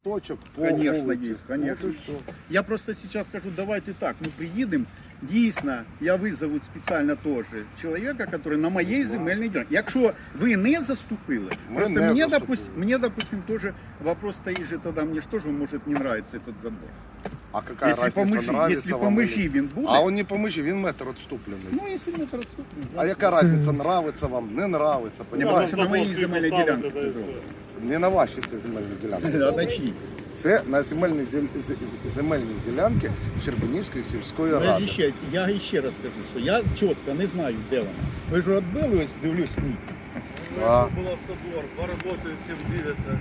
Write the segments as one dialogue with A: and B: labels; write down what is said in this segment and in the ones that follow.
A: точек по
B: Конечно,
A: вулиці.
B: есть, конечно.
A: От і все.
B: Я просто сейчас скажу, давайте так, мы приедем, дійсно, я визову спеціально теж чоловіка, який на моїй земельній ділянці. Якщо ви не заступили,
A: Ми
B: просто
A: не
B: мені,
A: заступили.
B: мне, допустим, тоже вопрос стоит же тогда, мне же тоже может не нравиться этот забор.
A: А какая
B: Если по
A: разница,
B: межі,
A: нравится
B: если по
A: вам
B: межі
A: или-
B: він буде,
A: А он не по межі, він метр відступлений.
B: ну, якщо метр відступний.
A: А яка разниця, нравиться вам, не нравиться, понимаєш?
B: Що на моїй земельній ділянці це зроблено.
A: Не на вашій це земельній ділянці.
B: А на чиї?
A: Це на земельній ділянці Щербинівської сільської
B: Я
A: ради.
B: я ще раз кажу, що я чітко не знаю, де вона. Ви ж відбили, ось дивлюсь, ні.
A: Да.
C: Был автодвор, поработают, всем двигаться.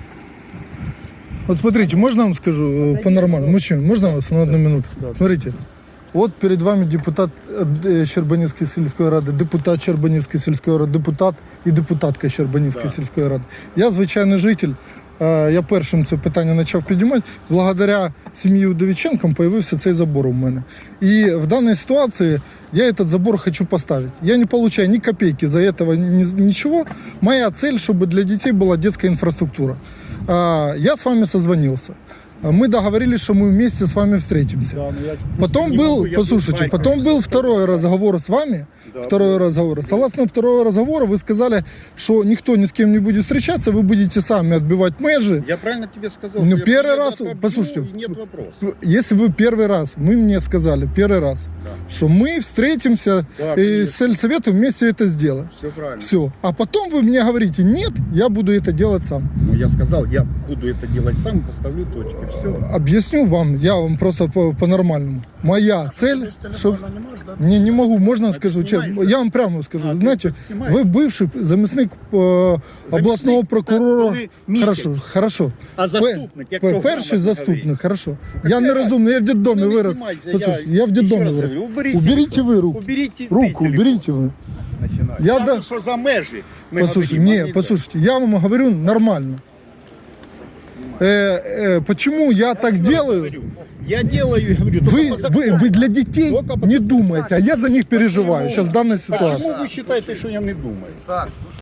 D: Вот смотрите, можно я вам скажу по-нормальному? Мужчин, можно вас на одну минуту? Смотрите, вот перед вами депутат Щербанівської сільської ради, депутат Щербанівської сільської ради, депутат і депутатка Щербанівської сільської ради. Я звичайний житель, я першим це питання почав піднімати. Благодаря сім'ї Удовиченкам появився цей забор у мене. І в даній ситуації я этот забор хочу поставить. Я не получаю ни копейки за этого, ничего. Моя цель, чтобы для детей была детская инфраструктура. Я с вами созвонился. Мы договорились, что мы вместе с вами встретимся.
B: Да, ну я
D: Потом
B: не
D: был,
B: могу, я
D: послушайте,
B: тут
D: потом
B: байком
D: был второй разговор с вами. Второй разговор. Согласно второго разговора вы сказали, что никто ни с кем не будет встречаться, вы будете сами отбивать межи.
B: Я правильно тебе сказал?
D: Ну,
B: что я
D: первый
B: приеду,
D: раз,
B: побью,
D: послушайте,
B: и нет вопросов.
D: Если вы первый раз, вы мне сказали первый раз, что мы встретимся
B: Да,
D: и
B: конечно.
D: с сельсоветом вместе это сделаем.
B: Все правильно.
D: Все. А потом вы мне говорите, нет, я буду это делать сам.
B: Ну, я сказал, я буду это делать сам, поставлю точки. Все.
D: Объясню вам, я вам просто по-нормальному. Моя цель, чтобы... Не могу, можно скажу, честно, я вам прямо скажу.
B: А,
D: Знаете,
B: ты снимаешь?
D: вы бывший заместник областного прокурора.
B: коли місяць.
D: Хорошо, хорошо.
B: А заступник, як програма
D: Перший
B: говорить.
D: заступник, хорошо. Я нерозумний, я в детдомі
B: Ну, не
D: вирос.
B: знімайте,
D: Послушайте,
B: я
D: я в
B: ще
D: детдомі
B: раз
D: вирос.
B: говорю, уберіть
D: Уберите
B: телефон.
D: вы руку.
B: Уберите
D: Руку,
B: ты
D: уберите вы.
B: Начинаю.
D: Я
B: Кажу,
D: да-
B: що за межі. Ми
D: Послушайте,
B: говоримо,
D: не, послушайте, я вам говорю нормально. Почему я так делаю?
B: Я делаю, говорю,
D: Вы для детей
B: Только по
D: не
B: закону.
D: думаете, а я за них переживаю сейчас в данной
B: Почему
D: ситуации.
B: вы считаете, что я не думаю?